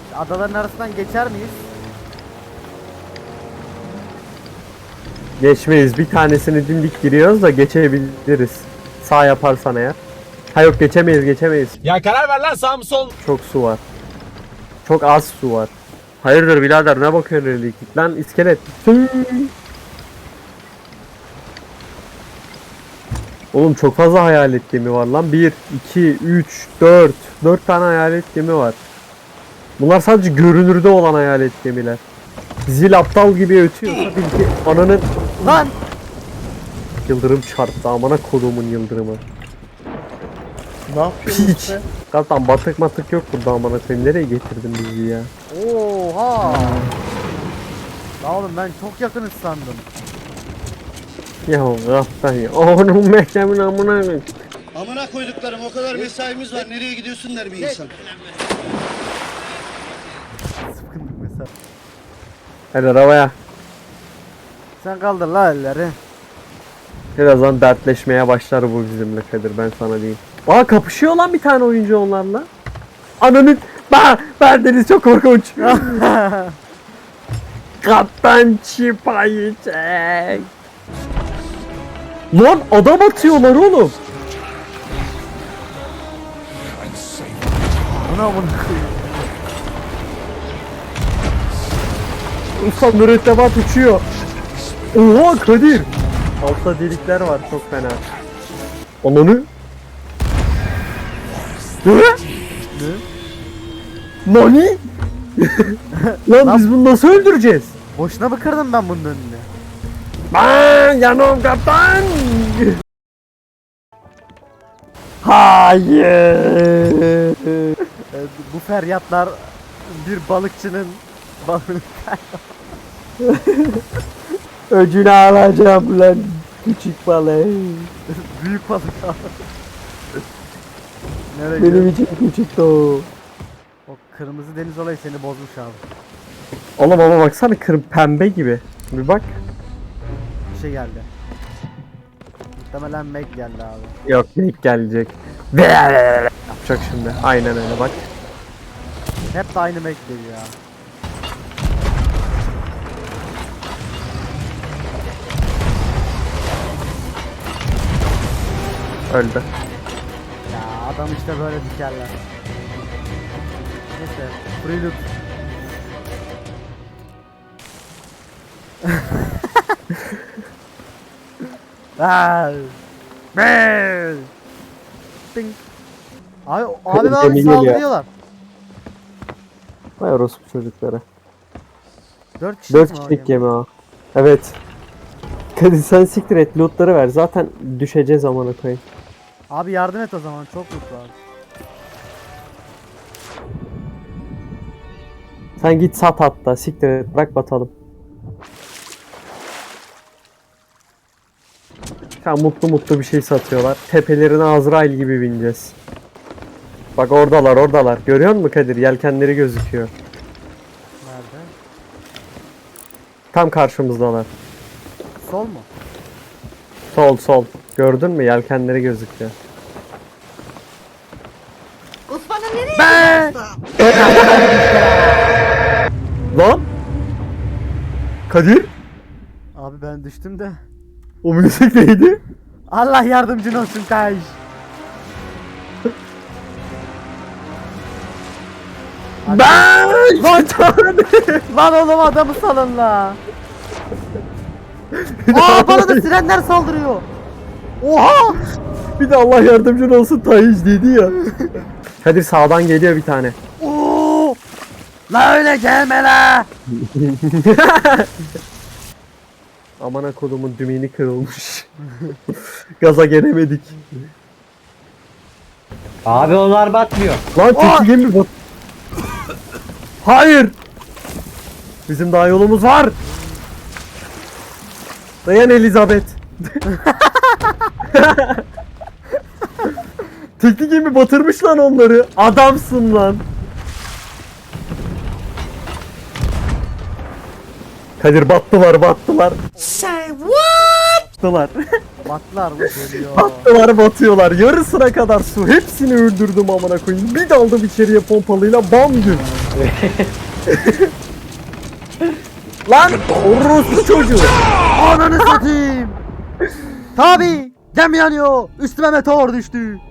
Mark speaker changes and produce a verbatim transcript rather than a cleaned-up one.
Speaker 1: Adaların arasından geçer miyiz?
Speaker 2: Geçmeyiz. Bir tanesini dimdik giriyoruz da geçebiliriz. Sağ yaparsan eğer. Ha yok, geçemeyiz geçemeyiz.
Speaker 3: Ya karar ver lan, sağ mı sol?
Speaker 2: Çok su var. Çok az su var. Hayırdır birader, ne bakıyorsun öyle git lan iskelet. Oğlum çok fazla hayalet gemi var lan. bir, iki, üç, dört. dört tane hayalet gemi var. Bunlar sadece görünürde olan hayalet gemiler. Zil aptal gibi ötüyorsa bil ki ananın...
Speaker 1: Lan!
Speaker 2: Yıldırım çarptı, amına kodumun yıldırımı.
Speaker 4: Ne yapıyorsun
Speaker 2: Piç.
Speaker 4: işte?
Speaker 2: Kaptan batık matık yok burada, amına koyayım. Nereye getirdin bizi ya?
Speaker 1: Oha! Lan oğlum ben çok yakınız sandım.
Speaker 2: Ya kaptan ya. Onun mektemin amına koyayım.
Speaker 5: Amına koyduklarım, o kadar mesaimiz var. Nereye gidiyorsun der bir insan.
Speaker 1: Sıkıntık mesela.
Speaker 2: Hadi arabaya.
Speaker 1: Sen kaldır la elleri.
Speaker 2: Birazdan dertleşmeye başlar bu bizimle Kadir, ben sana diyeyim. Aa, kapışıyor lan bir tane oyuncu onlarla. Ananı... Ba! Bendeniz çok korkunç. Kaptan çipayı çek. Lan adam atıyorlar oğlum.
Speaker 1: Buna bunu koyayım.
Speaker 2: Usta mürettebat uçuyor. Oha Kadir. Altta delikler var çok fena. Ananı. Ne?
Speaker 1: Ne?
Speaker 2: Nani? Lan biz bunu nasıl öldüreceğiz?
Speaker 1: Boşuna mı kırdım ben bunun önüne?
Speaker 2: Ben yanım kaptan. Hayır.
Speaker 1: Ee, bu feryatlar bir balıkçının balığını
Speaker 2: Öcünü alacağım lan küçük balık.
Speaker 1: büyük balık al. Nereye
Speaker 2: Benim
Speaker 1: gidiyor?
Speaker 2: için küçük o.
Speaker 1: O kırmızı deniz olayı seni bozmuş abi.
Speaker 2: Oğlum ama baksana, kır pembe gibi. Bir bak.
Speaker 1: Bir şey geldi. Muhtemelen Meg geldi abi.
Speaker 2: Yok, ilk gelecek. Yapacak şimdi. Aynen öyle bak.
Speaker 1: Hep de aynı Meg geliyor ya.
Speaker 2: Öldü.
Speaker 1: Ya adam işte böyle dikerler. Neyse. Prelude. Aaaa. Bel. Ding. Abi, abi
Speaker 2: Gemi
Speaker 1: abi
Speaker 2: geliyor.
Speaker 1: saldırıyorlar.
Speaker 2: Vay orospu çocukları.
Speaker 1: Dört kişi
Speaker 2: Dört kişilik gemi o. Evet. Kadir sen siktir et, lootları ver. Zaten düşeceğiz amına koyayım.
Speaker 1: Abi yardım et o zaman, çok mutlu abi.
Speaker 2: Sen git sat hatta, siktir et, bırak batalım. Ya mutlu mutlu bir şey satıyorlar. Tepelerine Azrail gibi bineceğiz. Bak oradalar oradalar. Görüyor musun Kadir? Yelkenleri gözüküyor.
Speaker 1: Nerede?
Speaker 2: Tam karşımızdalar.
Speaker 1: Sol mu?
Speaker 2: Sol sol. Gördün mü? Yelkenleri gözüküyor.
Speaker 6: Osman'ı nereye
Speaker 2: Lan! Kadir!
Speaker 1: Abi ben düştüm de.
Speaker 2: O müzik neydi?
Speaker 1: Allah yardımcın olsun Taş.
Speaker 2: Ben! Lan
Speaker 1: Lan oğlum adamı salın la. Aa bana da sirenler saldırıyor. Oha!
Speaker 2: Bir de Allah yardımcın olsun Tayiş dedi ya. Kadir sağdan geliyor bir tane.
Speaker 1: Oo! La öyle gelme la.
Speaker 2: Amına kodumun dümeni kırılmış. Gaza gelemedik.
Speaker 4: Abi onlar batmıyor.
Speaker 2: Lan tekli gemi bak. Hayır. Bizim daha yolumuz var. Dayan Elizabeth. Tekli gemi batırmış lan onları. Adamsın lan. Kadir battılar battılar.
Speaker 6: Say what?
Speaker 2: Battılar.
Speaker 1: Batlar mı geliyor?
Speaker 2: Battılar batıyorlar. Yarısına kadar su. Hepsini öldürdüm amına koyayım. Bir daldım içeriye pompalıyla bam gün. Lan orospu çocuğu.
Speaker 1: Ananı satayım. Tabi. Gemi yanıyor. Üstüme meteor düştü.